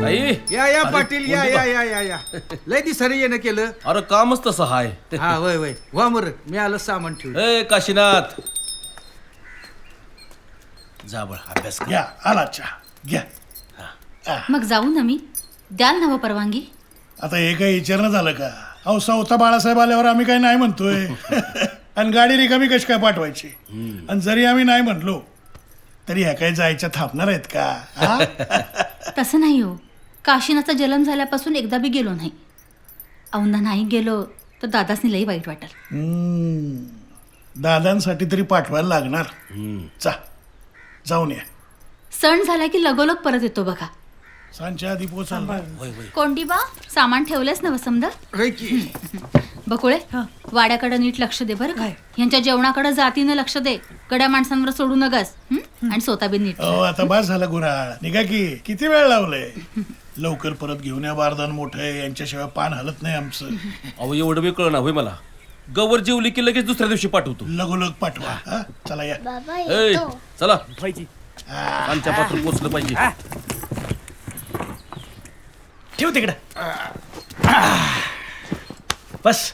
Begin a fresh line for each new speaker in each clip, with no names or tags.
आई
या या
अरे,
पाटील या
कोणती
या या या या लय दिसारी येणं केलं.
अरे कामच तसं हाय.
हा वय वय वा मर मी आलं सामान ठेवलं.
ए काशीनाथ जा बळ अभ्यास कर.
घ्या आला चहा घ्या.
मग जाऊ ना मी द्याल ना व परवानगी.
आता हे काही विचारणं झालं का? अहो चौथा बाळासाहेब आल्यावर आम्ही काही नाही म्हणतोय. आणि गाडी रिकामी कशी काय पाठवायची? आणि जरी आम्ही नाही म्हणलो तरी ह्या काही जायच्या थांबणार आहेत का? हा?
तसं नाही हो. काशीनाथचा जन्म झाल्यापासून एकदा बी गेलो नाही. औंधा नाही गेलो तर दादासनी लई वाईट वाटेल.
दादांसाठी तरी पाठवायला लागणार. जाऊन या.
सण झाला की लगोलग परत येतो बघा.
सांच्या आधी पोचाल.
कोंडीबा सामान ठेवलंच ना वसमद.
होय की
बकुळे वाड्याकडे नीट लक्ष दे बरं काय. यांच्या जेवणाकडे जातीनं लक्ष दे. गड्या माणसांवर सोडू नगस. आणि स्वतः बी नीट.
हो आता बस झालं गुराळ. निघा की किती वेळ लावलंय. लवकर परत घेऊन या. बारदान मोठं आहे यांच्याशिवाय पान हलत नाही आमचं.
अहो एवढं वेळ कळना होय मला. गवर जेवली की लगेच दुसऱ्या दिवशी पाठवतो.
लगोलग पाठवा. हा? चला या.
ए चला आमच्या पात्र पोचलं पाहिजे.
ठेव तिकडं. बस.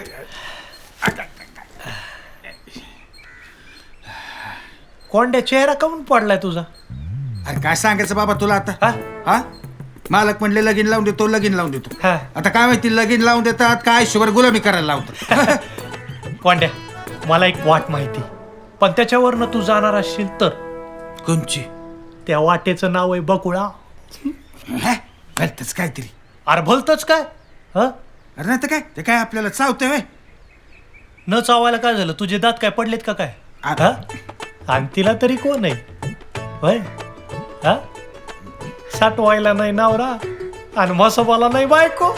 कोंड्या चेहरा काऊन पडलाय तुझा?
अरे काय सांगायचं बाबा तुला आता.
हा?
हा मालक म्हणले लगीन लावून देतो लगीन लावून देतो.
हा.
आता काय माहिती लगीन लावून देतात काय शुगर गुलामी करायला लावतात.
कोंड्या मला एक वाट माहिती, पण त्याच्यावरनं तू जाणार असशील तर.
कोणची?
त्या वाटेचं नाव आहे बकुळा.
भलतच काहीतरी.
अरे भलतच काय? हं?
अरे नाही तर काय ते काय आपल्याला चावतंय व्हय?
न चावायला काय झालं? तुझे दात काय पडलेत का काय?
आता
आणि तिला तरी कोण आहे होय? हा साठवायला नाही नवरा आणि मसोबाला नाही बायको.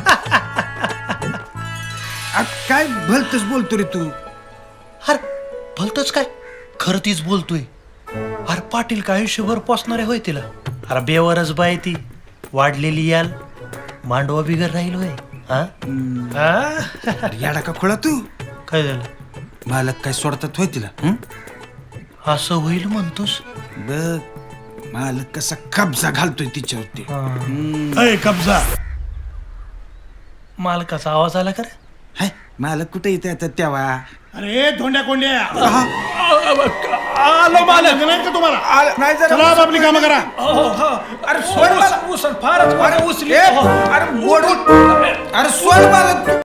काय भलतच बोलतो रे तू.
अरे भलतच काय? खरं तीच बोलतोय. अरे पाटील का आयुष्यभर पोचणारे होय तिला. अरे बेवरच बाय ती. वाढलेली याल मांडवा बिगर राहील होय. हा
याडा का खोळा तू.
काय झालं?
मालक काय सोडतात होय तिला.
असं होईल म्हणतोस?
बघ मालक कसा कब्जा घालतोय तिच्यावरती.
अय कब्जा.
मालकाचा आवाज आला का रे?
हाय मालक कुठे येते आता तेव्हा.
अरे धोंड्या कोंड्या.
आलो मालक.
नाही का तुम्हाला?
नाही जरा
चला आपली कामं करा.
अरे सोड मला.
फारच
अरे सोड मालक.